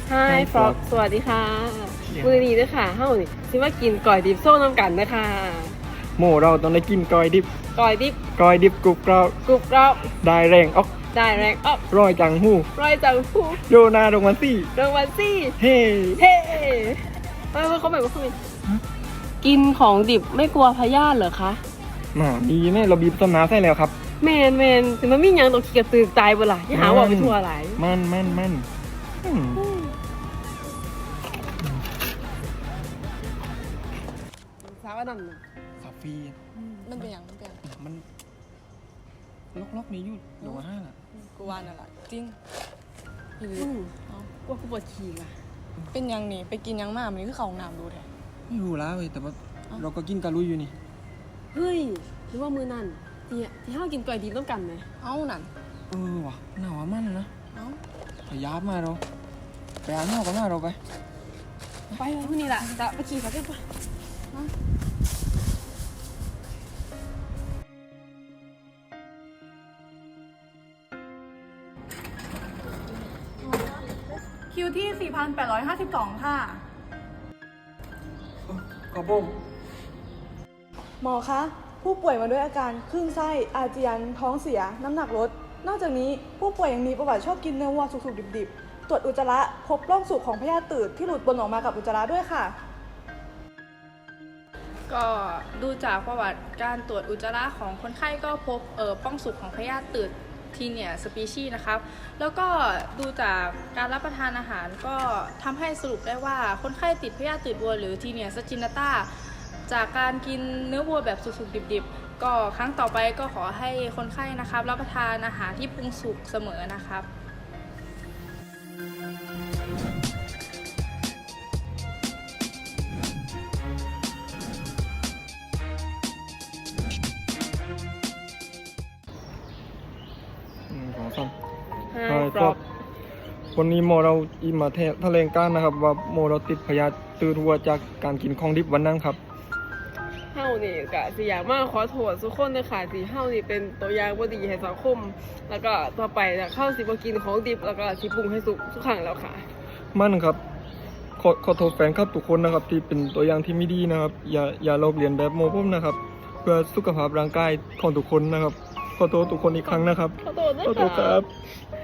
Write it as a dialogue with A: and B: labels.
A: Hi Frog สวัสดีค่ะมื้อนี้เด้อค่ะเฮานี่สิมากินก๋อยดิบโซ่น้ำกันนะคะ
B: หมูเราต้องได้กินกอยดิบ
A: ก๋อยดิบ
B: กรุบกรอบ
A: กรุบกรอบ
B: ได้แรงออก
A: ได้แรงออก
B: ร้อยจังหู
A: ร้อยจังผู้
B: โยนาดงมันซี่
A: รางวัลซี่
B: เฮ้
A: เฮ้เขาแบบว่าเขากินของดิบไม่กลัวพยาธิเหรอคะ
B: มาดีแม่เราบีบต้นน้ำใส่แล้วครับ
A: แมนถึงมันมีหยังตกขี้กระตือตายบ่ล่ะอย่าหาว่าไปทั่วหลาย
B: มัน
A: สาวนั่นน่ะ
B: คาเฟ่
C: มันเป็นอย่าง
B: มันล็อกนี้อยู่เดี๋ยวว่าห้าล่ะ
C: กูว่านั่นแหละจริงอีหลี
A: กลัวกูปวดฉี่อ่ะ
C: เป็นอย่างนี้ไปกินยังมามันนี่คือเขาห้องน้ำดูแท้
B: ไม่รู้แล้วเว้ยแต่ว่าเราก็กินกะลุยอยู่นี่
A: เฮ้ยหรือว่ามือนั่นที่เฮากินก๋วยดิบต้องกันไหม
C: เอ้านั่น
B: ว่ะหนาวมันนะ
C: เอ้า
B: ไปยับมาเราไปอ่านนอกกันหน้าเราไป
A: ไปพรุ่งนี้ล่ะจะไปขี่เขาได้ปะ
D: คิวที่ 4,852 ค่ะ
B: กระผม
D: หมอคะ ผู้ป่วยมาด้วยอาการคลื่นไส้ อาเจียน ท้องเสีย น้ำหนักลด นอกจากนี้ผู้ป่วยยังมีประวัติชอบกินเนื้อวัวสุกๆดิบๆ ตรวจอุจจาระพบร่องสุกของพยาธิตืดที่หลุดปนออกมากับอุจจาระด้วยค่ะ
E: ก็ดูจากประวัติการตรวจอุจจาระของคนไข้ก็พบป้องสุกของพยาธิตืดทีเนียสปีชีส์นะครับแล้วก็ดูจากการรับประทานอาหารก็ทำให้สรุปได้ว่าคนไข้ติดพยาธิตืดวัวหรือทีเนียสจินตาจากการกินเนื้อวัวแบบสุกๆดิบๆก็ครั้งต่อไปก็ขอให้คนไข้นะครับรับประทานอาหารที่ปรุงสุกเสมอนะครับ
B: ของซ้ำ
A: Hi Frog
B: วันนี้โมเราอิมาแถลงการนะครับว่าโมเราติดพยาธิตืดวัวจากการกินของดิบวันนั้นครับ
A: เฮานี่ก็สิอยากมาขอโทษทุกคนนะคะที่เฮานี่เป็นตัวอย่างบ่ดีให้สังคม แล้วก็ต่อไปจะเข้าสิบ่กินของดิบแล้วก็สิปรุงให้สุกทุกครั้งแล้วค่ะ
B: มั่นครับขอโทษแฟนครับทุกคนนะครับที่เป็นตัวอย่างที่ไม่ดีนะครับ อย่าลอกเลียนแบบโมผมนะครับ เพื่อสุขภาพร่างกายของทุกคนนะครับ ขอโทษทุกคนอีกครั้งนะครับ
A: ขอโทษนะ
B: ขอโทษค
A: คะ
B: รับ